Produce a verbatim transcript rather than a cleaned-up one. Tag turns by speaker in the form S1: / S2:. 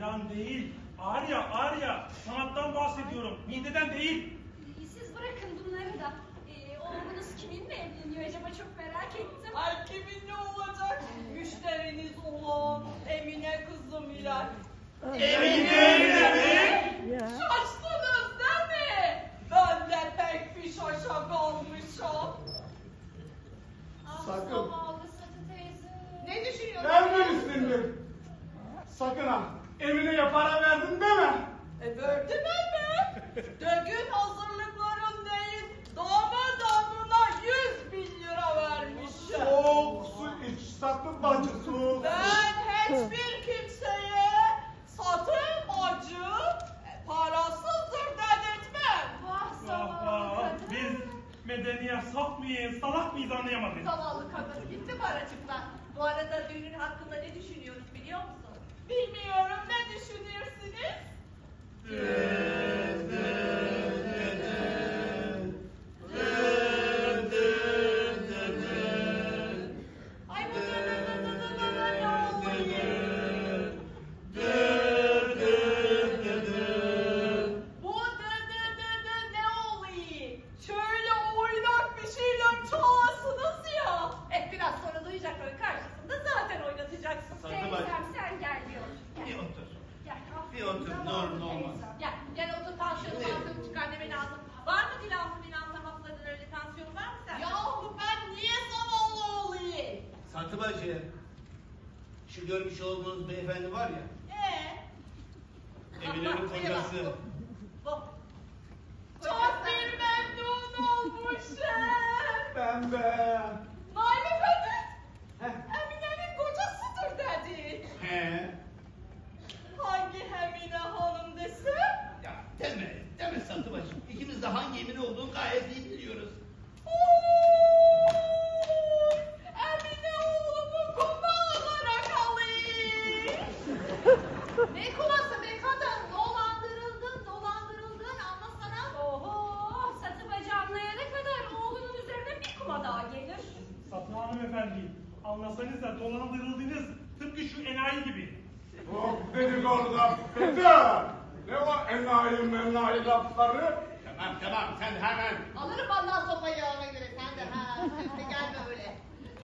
S1: Filan değil. Arya, Arya. Sanattan bahsediyorum. Mideden değil.
S2: Siz bırakın bunları da. Ee, oğlunuz kiminle evleniyor acaba, çok merak ettim.
S3: Ay kiminle olacak? Müşteriniz olan Emine kızım ile.
S1: Emine mi?
S3: Şaştınız değil mi? Ben de pek bir şaşa kalmışım.
S2: Ah,
S4: Sakın.
S2: zavallı Satı teyze.
S3: Ne düşünüyorsun?
S4: Vermemişsindir. Sakın ha. Emine'ye para verdin deme.
S3: E verdim elbet. Dögün hazırlıkların değil, damat adına yüz bin lira vermişim.
S4: Soğuk su iç, sakın bacı soğuk su.
S3: Ben hiçbir kimseye satın bacı e, parasızdır dedirtmem.
S2: Vah
S1: Vah
S2: zavallı
S1: vah.
S2: kadın.
S1: Biz medeniyet saf mıyız, salak mıyız anlayamadık.
S5: Zavallı kadın gitti paracıklar. Bu arada düğünün hakkında ne düşünüyoruz biliyor musun?
S3: Bilmiyorum, ne düşünürsünüz? Ay bu dı dı dı dı dı dı dı ne oluyor? Bu dı dı dı dı ne oluyor? Şöyle oynak bir şeyler çalasınız ya.
S5: Eh biraz sonra duyacakların karşısında zaten oynatacaksın.
S6: Sarı bacı.
S2: Teyzem sen gel bir otur. Gel.
S6: Bir otur.
S2: Gel.
S6: Bir otur,
S2: Zavallı
S6: ne olur ne olmaz.
S2: teyzem.
S5: Gel, gel otur tansiyonu tansiyonu çıkar deme lazım. Var mı Dilan'ın Dilan'ın hafızların öyle tansiyonu var mı sende?
S3: Yahu ben niye zavallı olayım?
S6: Satı bacı, şu görmüş olduğunuz beyefendi var ya,
S3: Ee?
S6: Emine'nin kocası.
S5: Bu.
S3: Çok bir memnun olmuşum.
S4: Ben de.
S3: Nail Efendi,
S4: Heh.
S3: Emine'nin kocasıdır dedi.
S6: He.
S3: Hangi Emine hanım desem?
S6: Ya deme, deme Satı bacı. İkimiz de hangi Emine olduğunu gayet iyi biliyoruz.
S3: Oo, Emine oğlumu kuma olarak alayım.
S5: Ne kuması be kadın? Dolandırıldın, dolandırıldın anlasana.
S2: Oho, Satı bacı anlayana kadar oğlunun üzerine bir kuma daha gelir.
S1: Satın hanımefendi, anlasanız da dolandırıldınız. Tıpkı şu enayi gibi.
S4: Çok dedikodu laf Peter. Ne o enayi menayi lafları?
S6: Tamam tamam, sen hemen.
S5: Alırım vallahi sopayı ona göre sen de ha. Sen de gelme öyle.